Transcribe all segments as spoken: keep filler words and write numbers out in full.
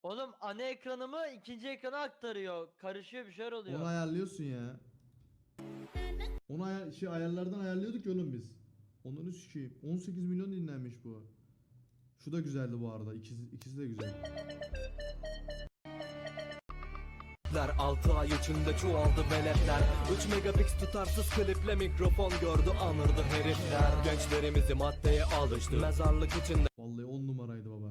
Oğlum ana ekranımı ikinci ekrana aktarıyor. Karışıyor bir şeyler oluyor. Onu ayarlıyorsun ya. Onu ay şey ayarlardan ayarlıyorduk ya oğlum biz. Onları sikeyim. on sekiz milyon dinlenmiş bu. Şu da güzeldi bu arada. İkisi, ikisi de güzel. altı ay içinde çoğaldı veletler. Üç megapix tutarsız kliple mikrofon gördü anırdı herifler. Gençlerimizi maddeye alıştı mezarlık içinde. Vallahi on numaraydı baba.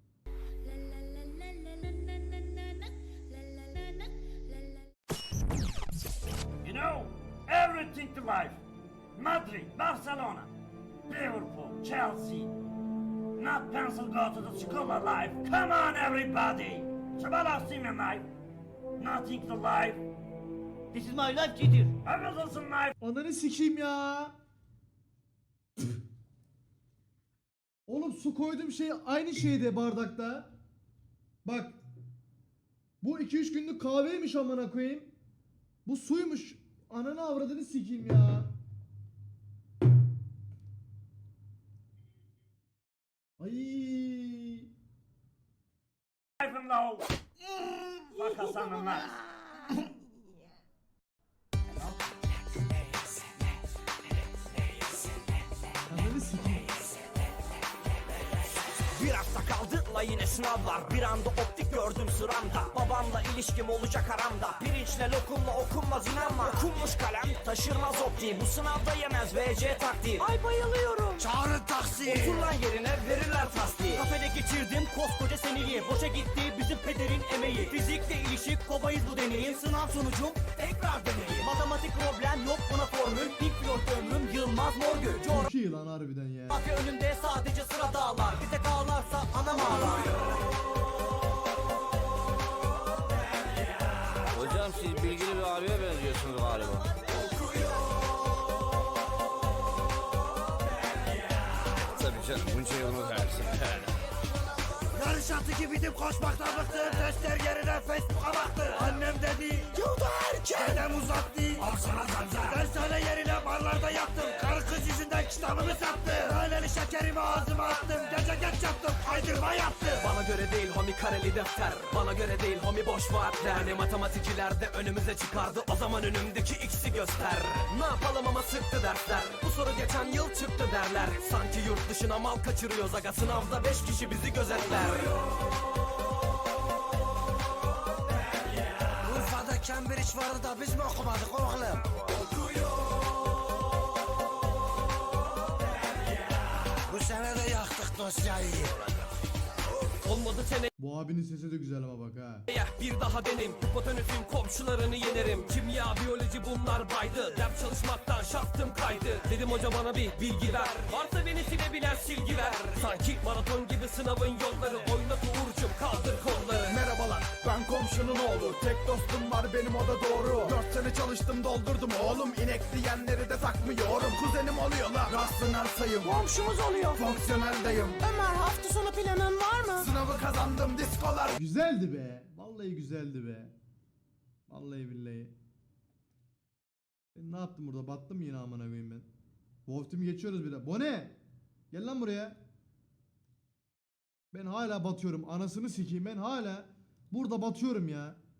You know, everything to life. Madrid, Barcelona, Liverpool, Chelsea. Not pencil go to the school of life. Come on, everybody. Shabala Simen life. Nothing to life. This is my life, Gidir. Everything's life. Ananı sikeyim ya. Oğlum su koyduğum şey aynı şeyde bardakta. Bak. Bu iki üç günlük kahveymiş amına koyayım. Bu suymuş. Ananı avradını sikeyim ya. Ay. Life and low. Fuck us on the life. Ananı sikeyim. Bir hafta kaldı la yine sınavlar. Bir anda optik gördüm sıramda. Babamla ilişkim olacak aramda. Pirinçle lokumla okunmaz inanma. Okunmuş kalem taşırmaz optiği. Bu sınavda yemez V C taktiği. Ay bayılıyorum. Çağırın taksi. Otur lan yerine verirler tasdiği. Kafede geçirdim koskoca seneyi. Boşa gitti bizim pederin emeği. Fizikle ilişik kobayız bu deneyim. Sınav sonucum tekrar deneyim. Matematik problem yok buna formül. Pink Floyd ömrüm Yılmaz Morgül. Çok iyi lan harbiden ya. Coğrafya önümde sadece sıra dağlar. Bir tek ağlarsa anam ağlar. Hocam siz bilgili bir abiye benziyorsunuz galiba. Tabii canım bunca yolunu versin. Yarış atı gibiydim koşmaktan bıktım. Testler yerine Facebook'a baktı. Annem dedi yolda erken. Dedem uzattı. Al sana zanzar. Dershane yerine barlarda yattım. Karı kız yüzünden kitabımı sattı. Haneli şekerimi ağzıma attım. Gece geç yattım kaydırma yaptım. Bana göre değil homi kareli defter. Bana göre değil homi boş vaatler. Hani matematikçiler de önümüze çıkardı. O zaman önümdeki x'i göster. Ne yapalım ama sıktı dersler. Bu soru geçen yıl çıktı derler. Sanki yurt dışına mal kaçırıyoruz aga. Sınavda beş kişi bizi gözetler. Urfa'da Cambridge vardı da biz mi okumadık oğlum? Bu sene de yaktık dosyayı. Olmadı seneye Bu abinin sesi de güzel ama bak ha. bir daha benim. Hipotenüsüm komşularını yenerim. Kimya, biyoloji bunlar baydı. Ders çalışmaktan şaftım kaydı. Dedim hoca bana bir bilgi ver. Varsa beni silebilen silgi ver. Sanki maraton gibi sınavın yolları. Oynat Uğur'cum kaldır kolları. Merhabalar, ben komşunun oğlu. Tek dostum var benim, o da doğru. Dört sene çalıştım doldurdum oğlum. İnek diyenleri de takmıyorum. Kuzenim oluyor lan, rastlanan sayım. Komşumuz oluyor. Fonksiyoneldeyim. Ömer hafta sonu planın var mı? Sınavı kazandım, diskolar. Güzeldi be. Vallahi güzeldi be. Vallahi billahi. Ben ne yaptım burada? Battım yine amına koyayım ben. Wolf Team'i geçiyoruz bir de. Bone! Gel lan buraya. Ben hala batıyorum. Anasını sikeyim ben hala burada batıyorum ya.